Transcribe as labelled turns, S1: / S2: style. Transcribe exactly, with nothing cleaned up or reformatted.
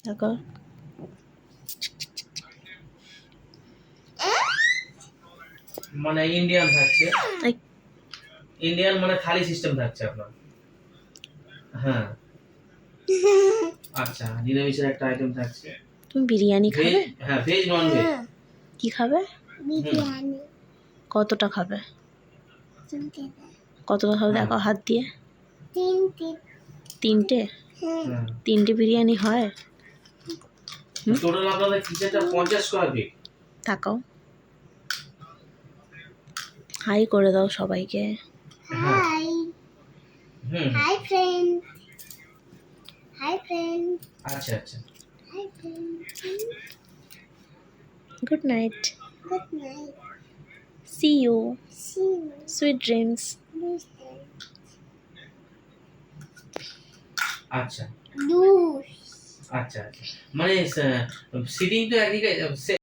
S1: দেখো
S2: মানে ইন্ডিয়ান থাকছে,
S1: এই,
S2: ইন্ডিয়ান মানে থালি সিস্টেম থাকছে আপনার। হ্যাঁ আচ্ছা, নিরামিষের একটা আইটেম থাকছে।
S1: তুমি বিরিয়ানি
S2: ভেজ,
S1: খাবে?
S2: হ্যাঁ ভেজ নন ভেজ।
S1: কি খাবে?
S3: বিরিয়ানি
S1: কতটা খাবে?
S3: তিনটে
S1: কতটা খাবে
S2: হ্যাঁ।
S1: দেখো হাত দিয়ে।
S3: তিনটে
S1: তিনটে?
S3: হ্যাঁ
S2: হ্যাঁ
S1: তিনটে বিরিয়ানি হয়?
S2: টোটাল আপনাদের কিচেনটা পঞ্চাশ স্কোয়ার ফিট।
S1: তাকাও, হাই করে দাও সবাইকে।
S3: Hi
S2: hmm
S3: hi friend hi friend
S2: আচ্ছা আচ্ছা,
S3: hi friend
S1: good night,
S3: good night
S1: see you,
S3: see you
S1: sweet dreams.
S2: আচ্ছা
S3: দুস
S2: আচ্ছা আচ্ছা, মানে সিটিং তো একদিকে